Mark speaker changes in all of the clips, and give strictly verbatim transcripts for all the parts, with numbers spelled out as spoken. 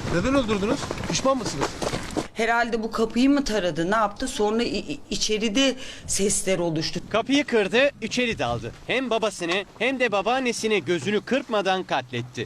Speaker 1: Neden öldürdünüz? Pişman mısınız?
Speaker 2: Herhalde bu kapıyı mı taradı, ne yaptı? Sonra içeride sesler oluştu.
Speaker 3: Kapıyı kırdı, içeri daldı. Hem babasını hem de babaannesini gözünü kırpmadan katletti.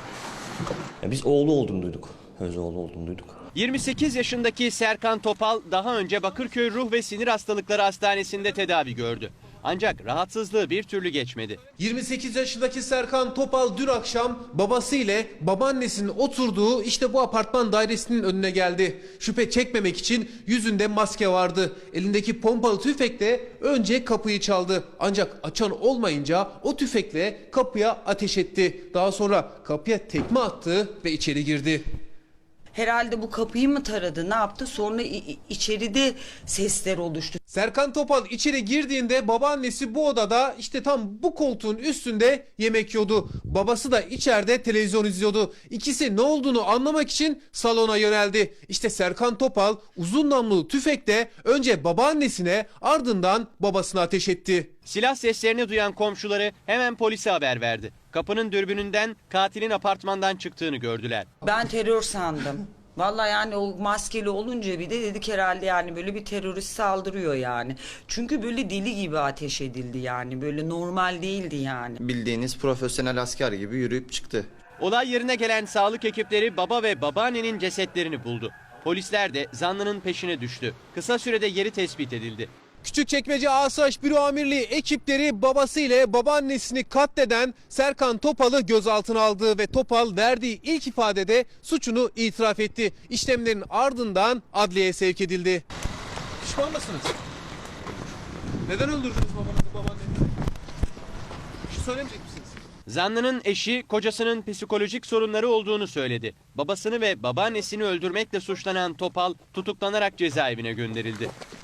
Speaker 4: Ya biz oğlu olduğunu duyduk. Öz oğlu olduğunu duyduk.
Speaker 3: yirmi sekiz yaşındaki Serkan Topal daha önce Bakırköy Ruh ve Sinir Hastalıkları Hastanesi'nde tedavi gördü. Ancak rahatsızlığı bir türlü geçmedi.
Speaker 1: yirmi sekiz yaşındaki Serkan Topal dün akşam babası ile babaannesinin oturduğu işte bu apartman dairesinin önüne geldi. Şüphe çekmemek için yüzünde maske vardı. Elindeki pompalı tüfekle önce kapıyı çaldı. Ancak açan olmayınca o tüfekle kapıya ateş etti. Daha sonra kapıya tekme attı ve içeri girdi.
Speaker 2: Herhalde bu kapıyı mı taradı, ne yaptı? Sonra içeride sesler oluştu.
Speaker 1: Serkan Topal içeri girdiğinde babaannesi bu odada işte tam bu koltuğun üstünde yemek yiyordu. Babası da içeride televizyon izliyordu. İkisi ne olduğunu anlamak için salona yöneldi. İşte Serkan Topal uzun namlulu tüfekle önce babaannesine ardından babasına ateş etti.
Speaker 3: Silah seslerini duyan komşuları hemen polise haber verdi. Kapının dürbününden katilin apartmandan çıktığını gördüler.
Speaker 2: Ben terör sandım. Vallahi yani o maskeli olunca bir de dedik herhalde yani böyle bir terörist saldırıyor yani. Çünkü böyle deli gibi ateş edildi yani. Böyle normal değildi yani.
Speaker 5: Bildiğiniz profesyonel asker gibi yürüyüp çıktı.
Speaker 3: Olay yerine gelen sağlık ekipleri baba ve babaannenin cesetlerini buldu. Polisler de zanlının peşine düştü. Kısa sürede yeri tespit edildi.
Speaker 1: Küçükçekmece Asayiş Büro Amirliği ekipleri babası ile babaannesini katleden Serkan Topal'ı gözaltına aldı ve Topal verdiği ilk ifadede suçunu itiraf etti. İşlemlerin ardından adliyeye sevk edildi. Pişman mısınız? Neden öldürdünüz babanızı, babaannenizi? Bir şey söylemeyecek misiniz?
Speaker 3: Zanlının eşi kocasının psikolojik sorunları olduğunu söyledi. Babasını ve babaannesini öldürmekle suçlanan Topal tutuklanarak cezaevine gönderildi.